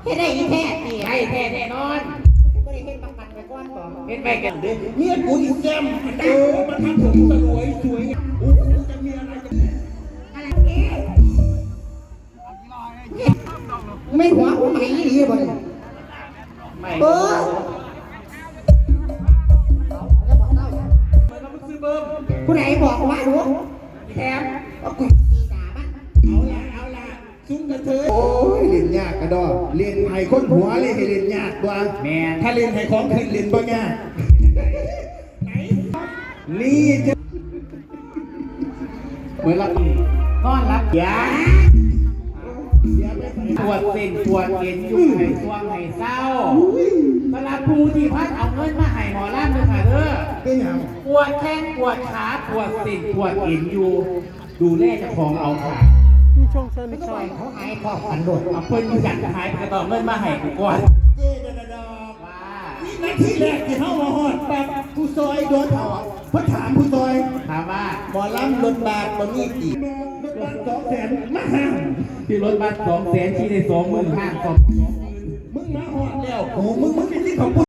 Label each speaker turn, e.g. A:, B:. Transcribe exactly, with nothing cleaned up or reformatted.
A: จะได้อีแท้ตี
B: ได้แท้แน่นอน
A: ไม่ได้เห็นประกันไปก้อนก่อน
B: เป็นไปกันเด้อ
C: เมียกูอีแก้มเออมันทำผมสวยสวยโอ้จะมีอะไรจะ
A: อะไรเอ๊ะไม่หัวหัวไหมดีบ่เนี่ย
B: ไม่
A: เออ
B: มันต้องซื้อเบิ้ม
A: ผู้ใดบอกว่ารู้
B: แถม
A: ว่ากูตีด่ามัน
C: เอาละเอาละซุ้มกระเทยโอ้ยเล่นยากกระดอเล่นไห้คนหัวเลยให้เล่นยากกว่า
B: แม่
C: ถ้าเล่นไห้ของขึ้นเล่นบ่ยากนี่จะ
B: เหมือนรับนอนรับยา
C: เดี๋ยวไปใส่
B: ปวดเส้นปวดเอ็นอยู่ให้ช่วงให้เศร้าสำหรับผู้ที่พัดเอาเงินมาให้หมอล่ามเลยค่ะเด้อ
C: เป็นยัง
B: ปวดแข้งปวดขาปวดเส้นปวดเอ็นอยู่ ดูแลเจ้าของเอาค่ะ
A: ไม่ก็ปล่อยเขาหายพอขันโดด
B: เอาเพิ่นอยากจะหายกระต่อเงินมาให้กูก่อน
C: เจ๊ดาดา
B: ว่า
C: นี่นาทีแรกที่เข้ามาฮอดแบบผู้ซอยโดนเอาอ่ะเพราะถามผู้ซอย
B: ถามว่า
C: หมอลำรถบาทมันนี่กี่รถบาทสองแสนมาห้าง
B: ที่รถบัสสองแสนที่ได้สองหมื่นห้าสอง
C: มึงมาฮอดแล้วโอ้มึงมึงเป็นที่ของ